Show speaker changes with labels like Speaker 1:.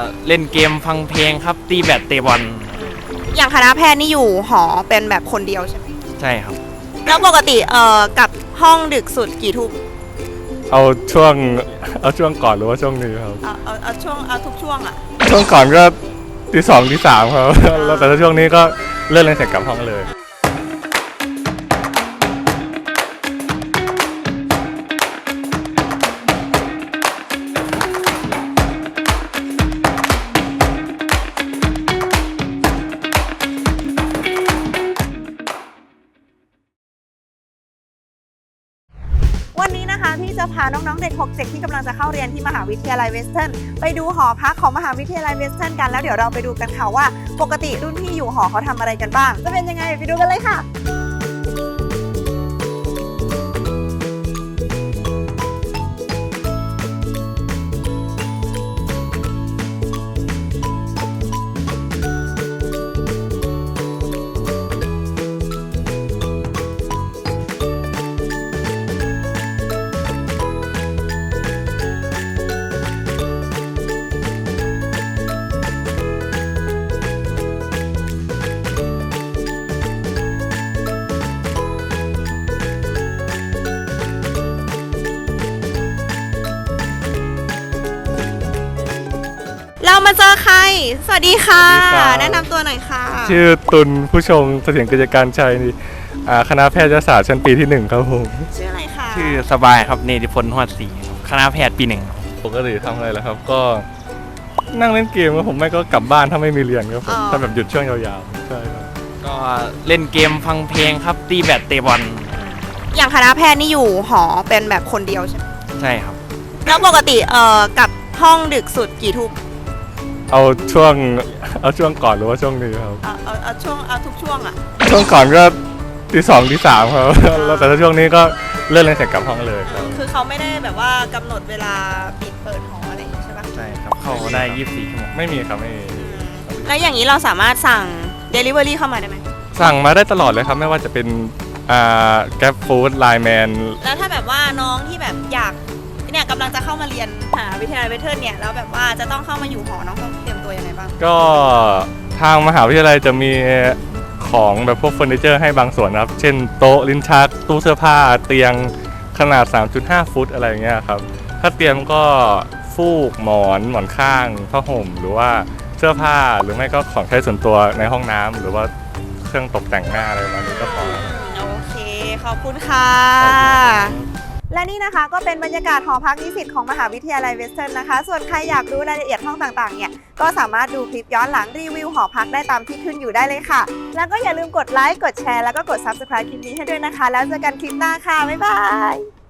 Speaker 1: เล่นเกมฟังเพลงครับตีแบดเตะบอล
Speaker 2: อย่างคณะแพทย์นี่อยู่หอเป็นแบบคนเดียวใช่ไหม
Speaker 1: ใช่ครับ
Speaker 2: แล้วปกติกับห้องดึกสุดกี่ทุ่ม
Speaker 3: เอาช่วงก่อนหรือว่าช่วงนี้ครับ
Speaker 2: เอาทุกช่วงอ่ะ
Speaker 3: ช่วงก่อนก็ตี 2ตี 3ครับแล้วแต่ช่วงนี้ก็เลิกเรียนเสร็จกลับห้องเลย
Speaker 2: วันนี้นะคะพี่จะพาน้องๆเด็ก67ที่กำลังจะเข้าเรียนที่มหาวิทยาลัยเวสเทิร์นไปดูหอพักของมหาวิทยาลัยเวสเทิร์นกันแล้วเดี๋ยวเราไปดูกันค่ะว่าปกติรุ่นพี่อยู่หอเขาทำอะไรกันบ้างจะเป็นยังไงไปดูกันเลยค่ะเรามาเจอใครสวัสดีค่ะแนะนำตัวหน่อยค่ะ
Speaker 3: ชื่อตุลผู้ชงเสถียรกิจการชัยนี่คณะแพทยศาสตร์ชั้นปีที่1ครับผม
Speaker 2: ชื่ออะไรคะ
Speaker 1: ชื่อสบายครับเนติพลหอดศรีคณะแพทย์ปี1
Speaker 3: ปกติทำอะไรล่ะครับก็นั่งเล่นเกมครับผมไม่ก็กลับบ้านถ้าไม่มีเรียนครับผมถ้าแบบหยุดช่วงยาวๆใช่ครับ
Speaker 1: ก็เล่นเกมฟังเพลงครับตีแบดเตะบอล
Speaker 2: อย่างคณะแพทย์นี่อยู่หอเป็นแบบคนเดียวใช่ไหม
Speaker 1: ใช่ครับ
Speaker 2: แล้วปกติกับห้องดึกสุดกี่ทุ่ม
Speaker 3: เอาช่วงก่อนหรือว่าช่วงนี้ครับ
Speaker 2: เอาทุกช่วงอ่ะ
Speaker 3: ช่วงก่อนก็ตี 2ตี 3ครับแล้วแต่ช่วงนี้ก็เลิกเรียนเสร็จกลับห้องเลยครับ
Speaker 2: คือเขาไม่ได้แบบว่ากำหนดเวลาปิดเปิดหออะไรอย่างนี้ใช่ปะ
Speaker 1: ใช่ครับเข้าได้24ชั่วโมง
Speaker 3: ไม่มีครับไม่มี
Speaker 2: แล้วอย่างนี้เราสามารถสั่ง Delivery เข้ามาได้ไหม
Speaker 3: สั่งมาได้ตลอดเลยครับไม่ว่าจะเป็นGrab Food Line Man
Speaker 2: แล้วถ้าแบบว่าน้องที่แบบอยากเนี่ยกำลังจะเข้ามาเรียนมหาวิทยาลัยเวสเทิร์นเนี่ยแล้วแบบว่าจะต้องเข้ามาอยู่หอน้องต้องเตรียมตัวยังไงบ้าง
Speaker 3: ก็ทางมหาวิทยาลัยจะมีของแบบพวกเฟอร์นิเจอร์ให้บางส่วนครับเช่นโต๊ะลิ้นชักตู้เสื้อผ้าเตียงขนาด 3.5 ฟุตอะไรอย่างเงี้ยครับถ้าเตียงก็ฟูกหมอนข้างผ้าห่มหรือว่าเสื้อผ้าหรือไม่ก็ของใช้ส่วนตัวในห้องน้ำหรือว่าเครื่องตกแต่งหน้าอะไรประมาณนี้ก็พอ
Speaker 2: โอเคขอบคุณค่ะและนี่นะคะก็เป็นบรรยากาศหอพักนิสิตของมหาวิทยาลัยเวสเทิร์นนะคะส่วนใครอยากรู้รายละเอียดห้องต่างๆเนี่ยก็สามารถดูคลิปย้อนหลังรีวิวหอพักได้ตามที่ขึ้นอยู่ได้เลยค่ะแล้วก็อย่าลืมกดไลค์กดแชร์แล้วก็กด Subscribe คลิปนี้ให้ด้วยนะคะแล้วเจอกันคลิปหน้าค่ะบ๊ายบาย